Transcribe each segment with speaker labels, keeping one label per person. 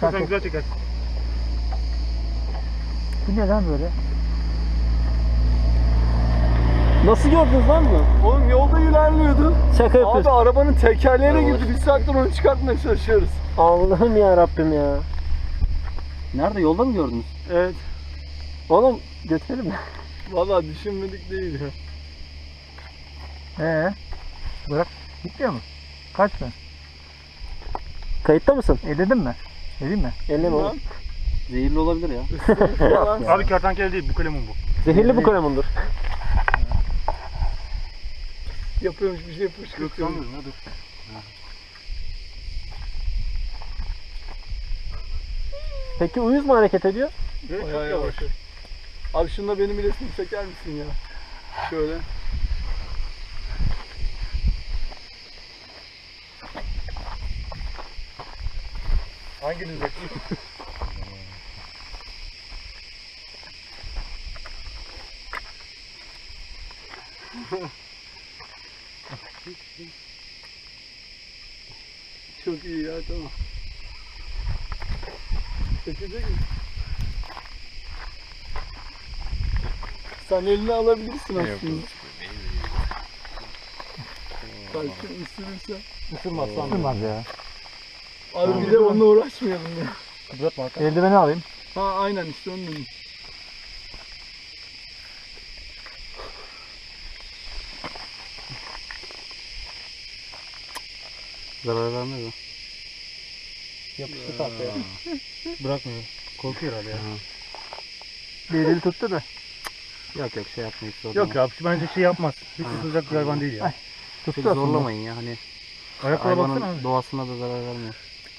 Speaker 1: Sen güzel çekersin.
Speaker 2: Bu ne lan böyle?
Speaker 3: Nasıl gördünüz lan bunu?
Speaker 4: Oğlum yolda ilerliyordu.
Speaker 3: Şaka yapıyorsun.
Speaker 4: Abi arabanın tekerleğine girdi. Bir saattir onu çıkartmaya çalışıyoruz.
Speaker 3: Allah'ım ya Rabbim ya. Nerede? Yolda mı gördünüz?
Speaker 4: Evet.
Speaker 3: Oğlum götürelim mi?
Speaker 4: Vallahi düşünmedik değil ya.
Speaker 2: Bırak. Gitmiyor mu? Kaç mı?
Speaker 3: Kayıtta mısın?
Speaker 2: Ededin mi? Edeyim mi?
Speaker 3: Elleme oğlum. Zehirli olabilir ya.
Speaker 1: Abi kertenkele değil, bu kalemun bu.
Speaker 3: Zehirli bu kalemundur.
Speaker 4: Yapıyormuş bir şey
Speaker 1: Yok
Speaker 4: fışkırtıyor.
Speaker 1: sanmıyorum ya, dur.
Speaker 3: Peki uyuz mu hareket ediyor?
Speaker 1: Evet, çok
Speaker 4: Bayağı
Speaker 1: yavaş.
Speaker 4: yavaş. Abi şunda benim resmimi çeker misin ya? Şöyle.
Speaker 1: Hanginiz bekliyor?
Speaker 4: Çok iyi ya, tamam. Çekecek mi? Sen elini alabilirsin aslında. Belki ısırırsa.
Speaker 1: Isırmaz sanmıyorum.
Speaker 2: Isırmaz ya.
Speaker 4: Abi bir de onunla uğraşmayalım ya.
Speaker 1: Bırakma Hakan.
Speaker 2: Eldiveni alayım.
Speaker 4: Ha aynen işte onun için.
Speaker 3: Zarar vermez o.
Speaker 1: Yapıştı tahtaya. Bırakmıyor. Korkuyor herhalde ya.
Speaker 2: Bir eli tuttu da.
Speaker 3: Yok yok şey yapmayız.
Speaker 1: Yok ya, bence şey yapmaz. Hiç ısıracak bir hayvan değil ya.
Speaker 2: Ay.
Speaker 3: Çok
Speaker 2: Tuttu aslında.
Speaker 3: zorlamayın ya hani
Speaker 1: Ayaklara baksana
Speaker 3: hayvanın
Speaker 1: abi.
Speaker 3: doğasına da zarar vermiyor.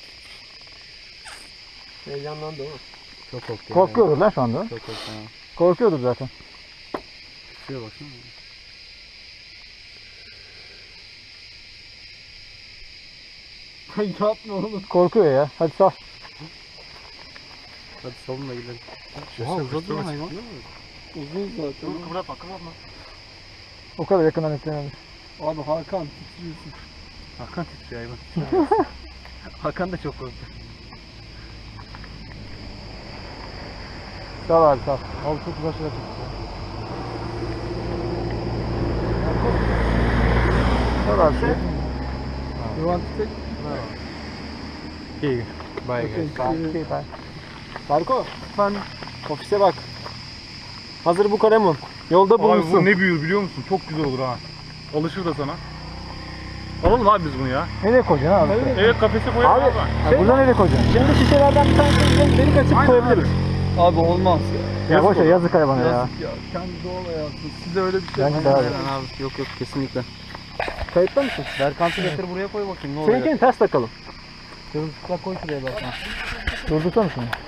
Speaker 4: Heyecanlandı ama.
Speaker 3: Çok korktu.
Speaker 2: Korkuyordur lan şu anda.
Speaker 3: Çok korktu ya.
Speaker 2: Korkuyordur zaten.
Speaker 3: Şuraya baksana.
Speaker 4: Yapma oğlum.
Speaker 2: Korkuyor ya. Hadi sal.
Speaker 3: Hadi salın da gidelim.
Speaker 1: Oha,
Speaker 3: uzadı lan hayvan.
Speaker 4: Uzun zaten.
Speaker 1: Dur, kıvratma, kıvratma.
Speaker 2: O kadar yakından etkilememiş.
Speaker 4: Abi Hakan titriyorsun.
Speaker 1: Hakan titriyor hayvan.
Speaker 3: Hakan da çok korktu.
Speaker 2: Sal abi sal.
Speaker 1: Abi çok güzel şeyler çekti.
Speaker 2: Sal abi.
Speaker 4: You want to take?
Speaker 1: İyi.
Speaker 3: Bye
Speaker 4: Okay.
Speaker 3: Farko sen ofise bak. Hazır bu kalemun. Yolda
Speaker 1: Abi
Speaker 3: bulunsun.
Speaker 1: bu ne büyür biliyor musun? Çok güzel olur ha. Alışır da sana. Alalım abi biz bunu ya.
Speaker 2: Nereye koyacaksın abi?
Speaker 1: Evet, kafese koyalım
Speaker 3: Abi,
Speaker 1: abi.
Speaker 2: Ha, burada nereye koyacaksın?
Speaker 3: Şimdi şişelerden bir tanesini delik açıp
Speaker 1: Aynen
Speaker 3: koyabiliriz.
Speaker 4: Abi olmaz ya.
Speaker 2: Ya boş ver yazık hayvana ya.
Speaker 4: Yazık ya. Kendi doğal hayatı. Size öyle bir şey
Speaker 2: Bence de abi.
Speaker 3: Abi yok yok kesinlikle. Kayıtta mısın?
Speaker 1: Berkant'ı getir buraya koy bakayım ne olacak.
Speaker 3: Seninkini ters takalım.
Speaker 1: Kırmızıkla koy şuraya Berkant.
Speaker 2: Durdursana şunu.